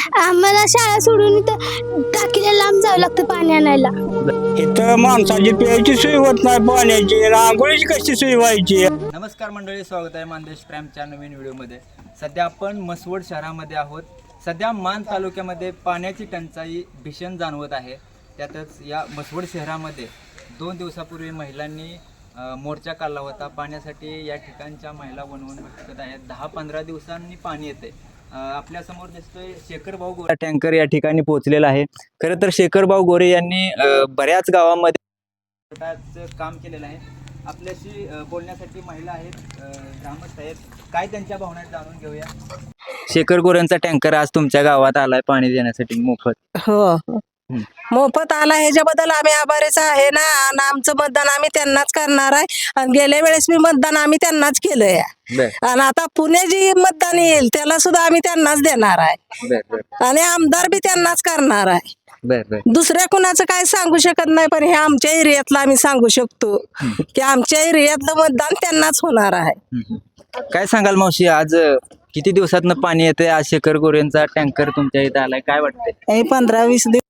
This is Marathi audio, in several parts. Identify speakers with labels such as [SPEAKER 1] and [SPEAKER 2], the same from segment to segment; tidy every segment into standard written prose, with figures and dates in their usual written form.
[SPEAKER 1] आम्हाला शाळा सोडून इथं टाकीला लांब जावं लागतं पाणी आणायला.
[SPEAKER 2] इथं माणसाची प्यायची सोय होत नाही, पाण्याची आंघोळीची कशी सोय व्हायची.
[SPEAKER 3] नमस्कार मंडळी, स्वागत आहे मानदेश प्राईमच्या नवीन व्हिडिओमध्ये. सध्या आपण म्हसवड शहरामध्ये आहोत. सध्या मान तालुक्यामध्ये पाण्याची टंचाई भीषण जाणवत आहे. त्यातच या म्हसवड शहरामध्ये 2 दिवसापूर्वी महिलांनी मोर्चा काढला होता. पाण्यासाठी या ठिकाणच्या महिला वणवण भटकत आहेत. 10-15 दिवसांनी पाणी येते. आपल्या समोर दिसतोय शेखरभाऊ गोरे टँकर या ठिकाणी पोहोचलेला आहे. खरं तर शेखरभाऊ गोरे यांनी बऱ्याच गावामध्ये काम केलेलं आहे. आपल्याशी बोलण्यासाठी महिला आहेत, ग्रामस्थ आहेत. काय त्यांच्या भावना जाणून घेऊया. शेखर गोरेंचा टँकर आज तुमच्या गावात आलाय पाणी देण्यासाठी मोफत.
[SPEAKER 4] हो, मोफत आला ह्याच्याबद्दल आम्ही आभारीच आहे ना. आणि आमचं मतदान आम्ही त्यांनाच करणार आहे. आणि गेल्या वेळेस मी मतदान आम्ही त्यांनाच केलंय. आणि आता पुणे जी मतदान येईल त्याला सुद्धा आम्ही त्यांनाच देणार आहे. आणि आमदार बी त्यांनाच करणार आहे. दुसऱ्या कुणाचं काय सांगू शकत नाही, पण हे आमच्या एरियातलं आम्ही सांगू शकतो की आमच्या एरियातलं मतदान त्यांनाच होणार आहे.
[SPEAKER 3] काय सांगाल मावशी, आज किती दिवसातनं पाणी येते? आज शेखर गोरेंचा टँकर तुमच्या इथे आलाय, काय वाटतंय?
[SPEAKER 4] 15-20 दिवस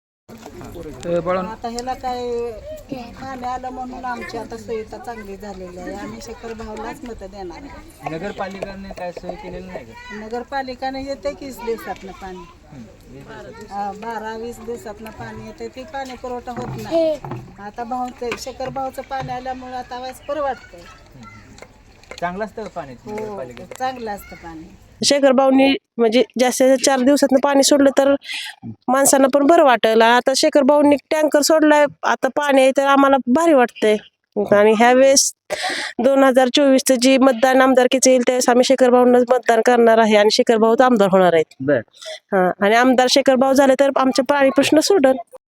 [SPEAKER 5] आता ह्याला काय पाणी आलं म्हणून आमची आता सुविधा चांगली झालेली आहे. आम्ही शेखर भाऊलाच मत देणार आहे.
[SPEAKER 3] नगरपालिकेने काय सोय केलेली नाही का?
[SPEAKER 5] नगरपालिकाने येते 20 दिवसातनं पाणी, 12-20 दिवसातनं पाणी येते. ती पाणी पुरवठा होत नाही. आता भाऊचं शेखर भाऊचं पाणी आल्यामुळे आता वेळेस परवडतंय.
[SPEAKER 3] चांगलं असतं का पाणी
[SPEAKER 5] हो,
[SPEAKER 3] नगरपालिकेचं?
[SPEAKER 5] चांगलं असतं पाणी.
[SPEAKER 4] शेखर भाऊनी म्हणजे जास्तीत 4 दिवसात पाणी सोडलं तर माणसांना पण बरं वाटेल. आता शेखर भाऊनी टँकर सोडलाय, आता पाणी आहे तर आम्हाला भारी वाटतंय. आणि ह्या वेळेस 2024 जी मतदान आमदारकीचं येईल त्यावेळेस आम्ही शेखर भाऊंनाच मतदान करणार आहे आणि शेखर भाऊच आमदार होणार आहेत. हा, आणि आमदार शेखर भाऊ झाले तर आमचे पाणी प्रश्न सोडल.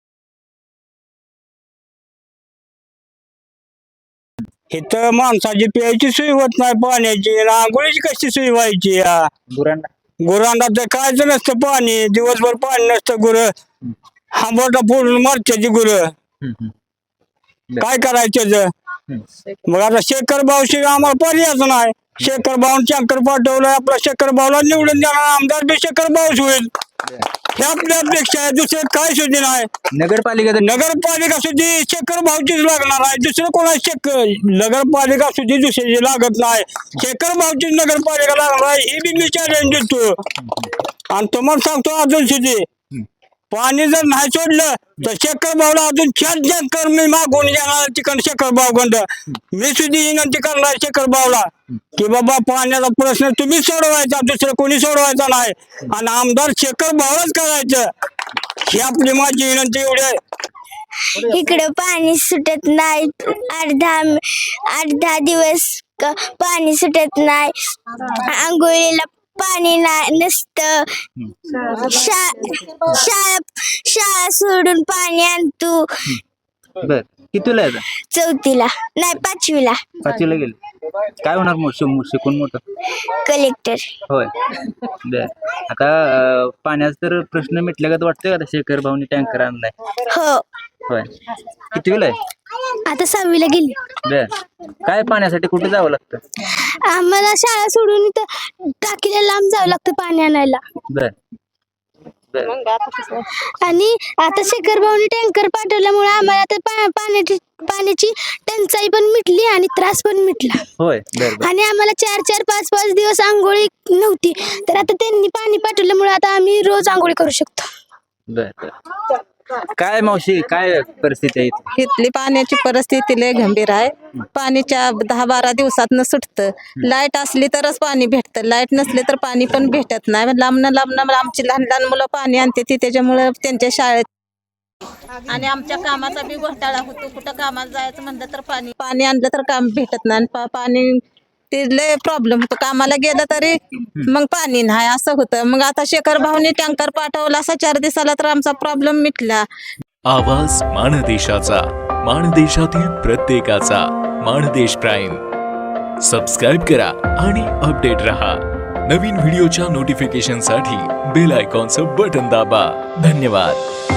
[SPEAKER 2] इथं माणसाची प्यायची सोय होत नाही, पाण्याची आंघोळीची कशी सोय व्हायची. गुरांना तर कायच नसतं पाणी, दिवसभर पाणी नसतं. गुरं हांबोटा फोडून मारत्याची गुरं, काय करायचं. मग आता शेखर भाऊशी आम्हाला पर्यायच नाही. शेखर भाऊन टँकर पाठवलाय, आपला शेखर भाऊला निवडून देणार आमदार बी शेखर भाऊच होईल. हे आपल्या अपेक्षा आहे, दुसरे काय सुद्धा नाही. नगरपालिका सुद्धा शेखर भाऊचीच लागणार आहे, दुसरं कोणा नगरपालिका सुद्धा दुसरी लागत नाही. शेखर भाऊचीच नगरपालिका लागणार आहे, हे बी मी चॅलेंज देतो. आणि तुम्हाला सांगतो अजून सुद्धा पाणी जर नाही सोडलं तर शेखर भाऊला अजून 4 टँकर मी मागून येणार तिकडं शेखर भाऊकडं. मी सुद्धा विनंती करणार शेखर भाऊला की बाबा पाण्याचा प्रश्न तुम्ही सोडवायचा, दुसरं कोणी सोडवायचा नाही. आणि आमदार शेखर भाऊलाच करायचं, ही आपली माझी विनंती एवढी आहे.
[SPEAKER 1] इकडे पाणी सुटत नाही, अर्धा दिवस पाणी सुटत नाही. आंघोळीला पाणी नसतं. शाळा सोडून पाणी आणतो.
[SPEAKER 3] कितीला आहे?
[SPEAKER 1] 4थीला नाही, 5वीला.
[SPEAKER 3] 5वीला गेले. काय होणार शिकून मोठं?
[SPEAKER 1] कलेक्टर.
[SPEAKER 3] होय. बर. आता पाण्याचा तर प्रश्न मिटल्यागत वाटतोय आता शेखर भाऊनी टँकर आणलाय.
[SPEAKER 1] हो.
[SPEAKER 3] होय. कितवीला आहे?
[SPEAKER 1] आता 6वीला गेली.
[SPEAKER 3] बर. काय पाण्यासाठी कुठे जावं लागतं?
[SPEAKER 1] आम्हाला शाळा सोडून इथं टाकीला लांब जावं लागतं पाणी आणायला.
[SPEAKER 3] बर.
[SPEAKER 1] आणि आता शेखर भाऊनी टँकर पाठवल्यामुळे आम्हाला आता पाण्याची टंचाई पण मिटली आणि त्रास पण मिटला.
[SPEAKER 3] होय.
[SPEAKER 1] आणि आम्हाला 4-4, 5-5 दिवस आंघोळी नव्हती, तर आता त्यांनी पाणी पाठवल्यामुळे आता आम्ही रोज आंघोळी करू शकतो.
[SPEAKER 3] बर. काय मावशी, काय परिस्थिती आहे
[SPEAKER 4] इथली पाण्याची परिस्थिती लय गंभीर आहे. पाणी 10-12 दिवसातनं सुटतं. लाईट असली तरच पाणी भेटतं, लाईट नसले तर पाणी पण भेटत नाही. लांबनं आमची लहान मुलं पाणी आणते ती, त्याच्यामुळे त्यांच्या शाळेत आणि आमच्या कामाचा बी घोटाळा होतो. कुठं कामाला जायचं म्हणलं तर पाणी आणलं तर काम भेटत नाही. पाणी ते लय प्रॉब्लेम होतो. कामाला गेलं तरी मग पाणी नाही, असं होतं. मग आता शेखर भाऊनी टँकर पाठवला असा 4 दिवसाला तर आमचा प्रॉब्लेम मिटला.
[SPEAKER 6] आवाज माणदेशाचा, माणदेशातील प्रत्येकाचा. माणदेश प्राईम सबस्क्राईब करा आणि अपडेट रहा. नवीन व्हिडिओच्या नोटिफिकेशनसाठी बेल आयकॉनचं बटन दाबा. धन्यवाद.